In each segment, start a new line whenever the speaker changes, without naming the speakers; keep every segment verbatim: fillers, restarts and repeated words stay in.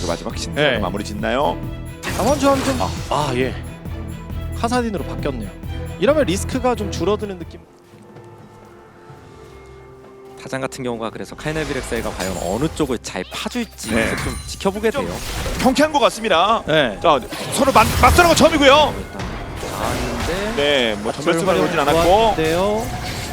그 마지막 신상
네.
마무리 짓나요?
담원조합 좀... 아, 아 예. 카사딘으로 바뀌었네요. 이러면 리스크가 좀 줄어드는 느낌.
타잔 같은 경우가 그래서 카이네비렉사이가 과연 어느 쪽을 잘 파줄지
네.
계속 좀 지켜보게
좀
돼요.
경쾌한 것 같습니다.
네.
자, 서로 맞, 맞서는 건 처음이고요.
일단 나왔는데
네, 뭐 전멸수만 오진 않았고.
네요.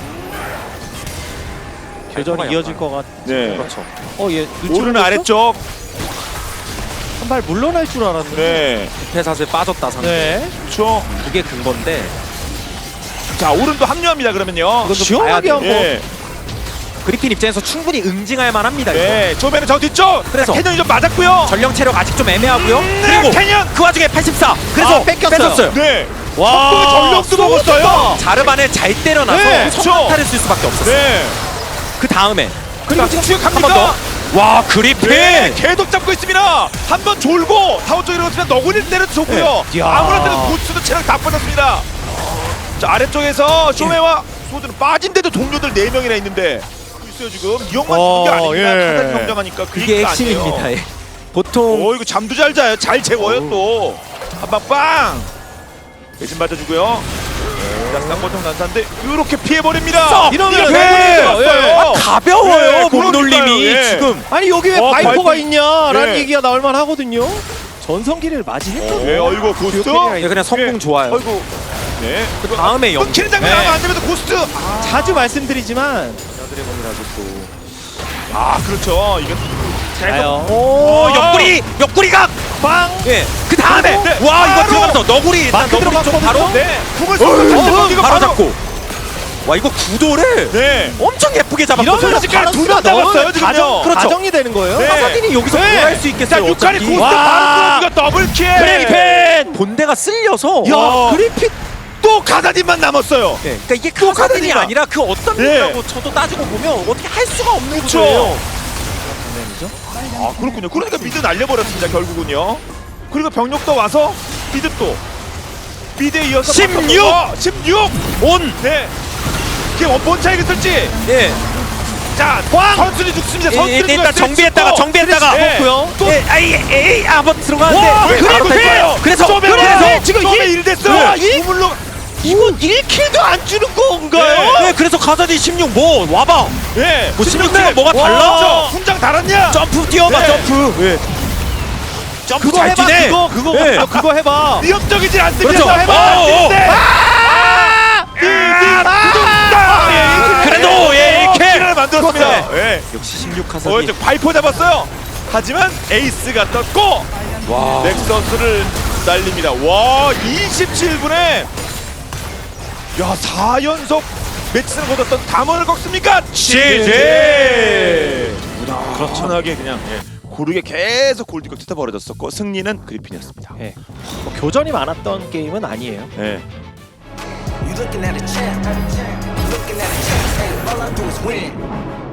교전이 이어질 것 같.
네.
그렇죠.
어 예.
오르는 아래쪽.
한발 물러날 줄 알았는데.
네,
부패사슬 빠졌다 상대.
네.
그렇죠.
그게 근건데
자, 오른도 합류합니다. 그러면요.
이건 좀 시원하게
봐야
한번.
예,
그리핀 입장에서 충분히 응징할 만합니다. 이거.
네, 조배는 저 뒤쪽.
그래서.
캐년이 좀 맞았고요.
전령 체력 아직 좀 애매하고요.
네,
그리고
캐년.
그 와중에 팔십사. 그래서
아, 뺏겼어요.
뺏었어요.
네,
와.
전력도 먹었어요.
자르반을 잘 때려놔서
네, 그렇죠.
성탄타를 쓸 수밖에 없었어요.
네,
그 다음에
그리고 지금 추격합니까?
한 번 더. 와 그리핀.
네, 계속 잡고 있습니다. 한 번 졸고 타워 쪽으로 갔으면 너구리를 때려도 좋고요.
네.
아무나 고추도 체력 다 빠졌습니다. 자, 아래쪽에서 쇼메와 소드는 빠진데도 동료들 네 명이나 있는데 있어요 지금. 이형만
어,
죽은 게 아닙니다.
예.
카단 경쟁하니까 그
그게
얘기가 아니에요.
핵심입니다. 예. 보통
오, 이거 잠도 잘 자요. 잘 재워요 또. 한방 빵. 대신 맞아주고요. 자, 쌍보통 난사인데 이렇게 피해버립니다.
이러면
이렇게
네.
피해버렸어요.
아, 가벼워요
네,
몸놀림이
그러니까요, 예.
지금.
아니 여기 왜
어,
바이퍼가
바이퍼.
있냐라는
네.
얘기가 나올만 하거든요. 전성기를 맞이했거든요.
네, 어이구 고스트.
예, 그냥 성공 좋아요.
어이구. 네.
그 다음에 영.
끊기는 장면
네.
하면 안 되면서 고스트. 아,
자주 말씀드리지만
드래곤이라도 또.
아 그렇죠. 이게
자요.
오
아.
옆구리 옆구리가.
빵.
예. 그 다음에
네,
와 이거
바로.
들어가면서 너구리 일단
마크
너구리 좀
들어갔거든요.
바로.
네. 궁을
어,
쏘고 이거
바로 잡고. 와 이거 구도를
네.
엄청 예쁘게 잡았고.
이러면
솔직히 두명 잡았어요 지금요.
가정,
그렇죠.
가정이 되는 거예요.
네.
카사딘이 여기서
네.
뭘 할 수 있겠어요?
자, 육칼이
어차피.
고스트
와.
바로 뚫어 이거 더블킬.
그리핀.
본대가 쓸려서.
야
와.
그리핀.
또 가다딘만 남았어요.
예, 그러니까 이게 카사딘이
카사딘이다.
아니라 그 어떤
네.
일이라고 저도 따지고 보면 어떻게 할 수가 없는
그렇죠.
구조예요.
아 그렇군요. 그러니까 미드 날려버렸습니다 결국은요. 그리고 병력도 와서 미드 또 미드에 이어서
십육!
바꿔서 십육 온. 네. 이게 원본 차이가 있을지.
예.
자, 선수들이 죽습니다.
예,
선수들이
일단 정비했다가 정비했다가
네.
먹고요.
또-
예, 아이 에이 한번 들어가는데
와,
왜 바로
그리고
탈 거예요?
돼요.
그래서
쏘면
그래서
그래서
지금
쏘면
일-
일 됐어요.
와, 일-
우물로
이건 일 킬도 안 주는 건가요?
네, 그래서 카사딘 십육 뭐 와봐.
예.
뭐
십육
십육 뭐가
와.
달라?
훈장 달았냐?
점프 뛰어봐
네.
점프. 예. 점프
그거
잘
해봐.
뛰네.
그거 그거
예.
그거, 그거 해봐.
위협적이지 않습니다.
그렇죠.
해봐.
어, 어.
네.
아!
아!
그래도 예 이렇게.
킬을 만들었습니다. 예.
역시 십육
어,
카사딘.
저 바이퍼 잡았어요. 하지만 에이스가 떴고
와.
넥서스를 날립니다. 와, 이십칠 분에 야, 사 연속 매치를 거뒀던 담원을 꺾습니까? 지지! 무난하게 그냥 예, 고르게 계속 골드가 뜯어버려졌었고 승리는 그리핀이었습니다.
예. 뭐 교전이 많았던 게임은 아니에요.
예.
You looking at a champ, looking at a champ, hey, all I do is win.